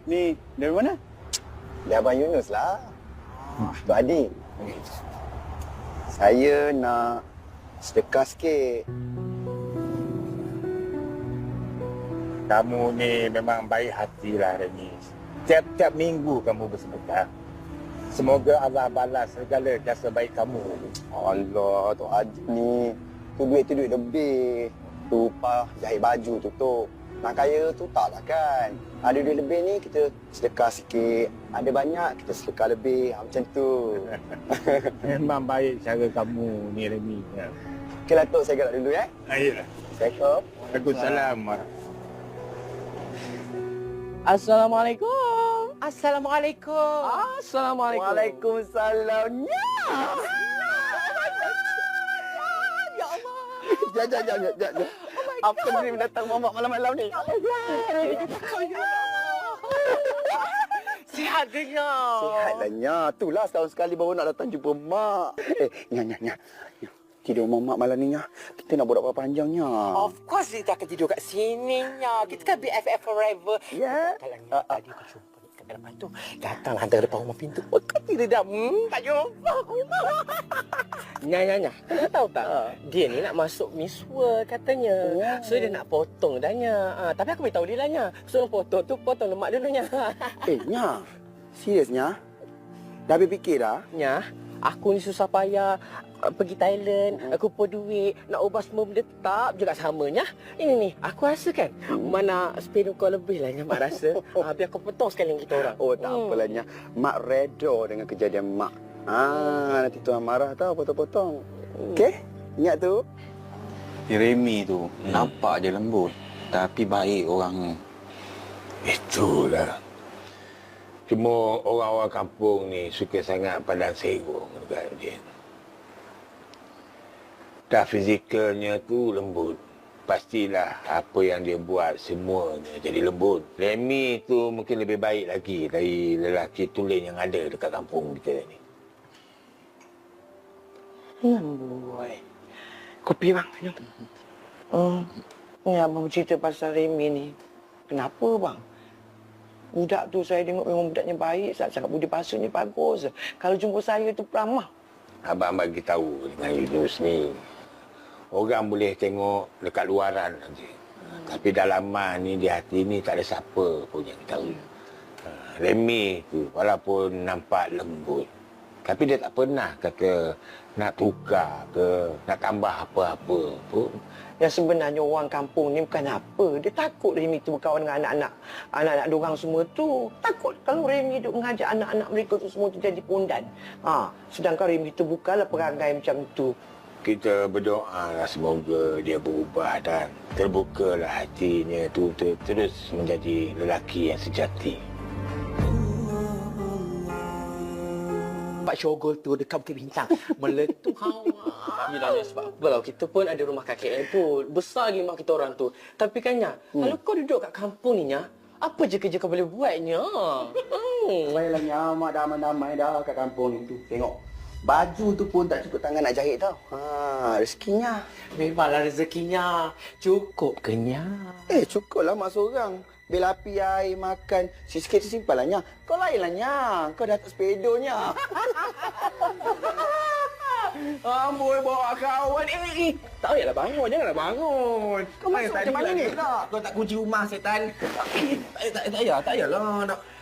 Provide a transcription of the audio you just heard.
Ni, dari mana? Dia Abang Yunus lah. Tu adik. Saya nak sedekah sikit. Kamu ni memang baik hatilah, Reni. Tiap-tiap minggu kamu bersedekah. Semoga Allah balas segala jasa baik kamu. Allah, tu adik ni. Tu duit lebih. Tu upah jahit baju tutup. Nak kaya tu taklah kan. Ada duit lebih ni kita sedekah sikit. Ada banyak kita sedekah lebih. Macam tu. Memang baik cara kamu ni, Reni. Okey lah, Tok. Saya gerak dulu, ya. Ayolah. Assalamualaikum. Waalaikumsalam. Assalamualaikum. Assalamualaikum. Assalamualaikum. Waalaikumsalam. Ya. Ya Allah. Jap. Apa ni mendatang mamak malam-malam ni? Sihat ke Nyak? Sihatlah, Nya. Itulah setahun sekali baru nak datang jumpa mak. Nya. Tidur mak malam ni, Nya. Kita nak borak panjang, Nya. Of course kita akan tidur kat sini Nyak. Kita kan BFF forever. Ya. Kalau Nyak tadi aku jumpa kat dalam tu, datang hantar depan rumah pintu. Oh, kau tidak dah. Tak jumpa aku. Nya. Kau tahu tak? Dia ni nak masuk Miss World katanya. So dia nak potong dah Nya. Tapi aku beritahu dia lah Nya. So potong tu potong lemak dulu Nya. Nya. Serius, Nya? Dah habis fikir dah? Nya, aku ni susah payah pergi Thailand, kumpul duit, nak ubah semua benda tetap juga samanya. Ini ni, aku rasa kan mana spare kau lebih lah Nya mak rasa. Biar kau potong sekali kita orang. Oh, tak apalah, Nya. Mak redha dengan kejadian mak. Nanti tuan marah tau potong-potong. Okey? Ingat tu. Remy tu nampak je lembut. Tapi baik orang. Itulah. Cuma orang-orang kampung ni suka sangat pandang serong dekat dia. Dah fizikalnya tu lembut. Pastilah apa yang dia buat semuanya jadi lembut. Remy tu mungkin lebih baik lagi dari lelaki tulen yang ada dekat kampung kita ni. Boy. Kopi bang. Ni abang cerita pasal Remy ni. Kenapa bang? Budak tu saya tengok memang budaknya baik, sangat budi basuhnya bagus. Kalau jumpa saya tu peramah. Abang bagi tahu dengan Yunus ni. Orang boleh tengok dekat luaran saja. Tapi dalaman ni, di hati ni tak ada siapa pun yang tahu. Remy tu walaupun nampak lembut, tapi dia tak pernah kata nak tukar ke, nak tambah apa-apa pun. Yang sebenarnya orang kampung ni bukan apa. Dia takut Remy tu berkawan dengan anak-anak diorang semua tu. Takut kalau Remy duk mengajak anak-anak mereka tu semua tu jadi pondan. Sedangkan Remy tu bukanlah perangai macam tu. Kita berdoalah semoga dia berubah dan terbukalah hatinya tu terus menjadi lelaki yang sejati. Pak Syogol tu dekat Bukit Bintang meletup hawa. Yelah, sebab apa kita pun ada rumah kakek tu. Besar lagi mak kita orang tu. Tapi kan Nya, kalau kau duduk kat kampung ni Nya, apa je kerja kau boleh buat Nya? Baiklah, Nya. Mak dah aman-aman dah kat kampung ni tu. Tengok. Baju tu pun tak cukup tangan nak jahit tau. Rezekinya. Memanglah rezekinya. Cukup ke Nya? Cukuplah mak seorang. Bil api, air, makan. Sikit simpan lah, Nya. Kau lain lah, Nya. Kau dah tak sepedonya. Amboi, bawa kawan. Tak payahlah bangun. Janganlah bangun. Kau masuk macam mana ni? Kau tak kunci rumah, setan. Tak payahlah. Nak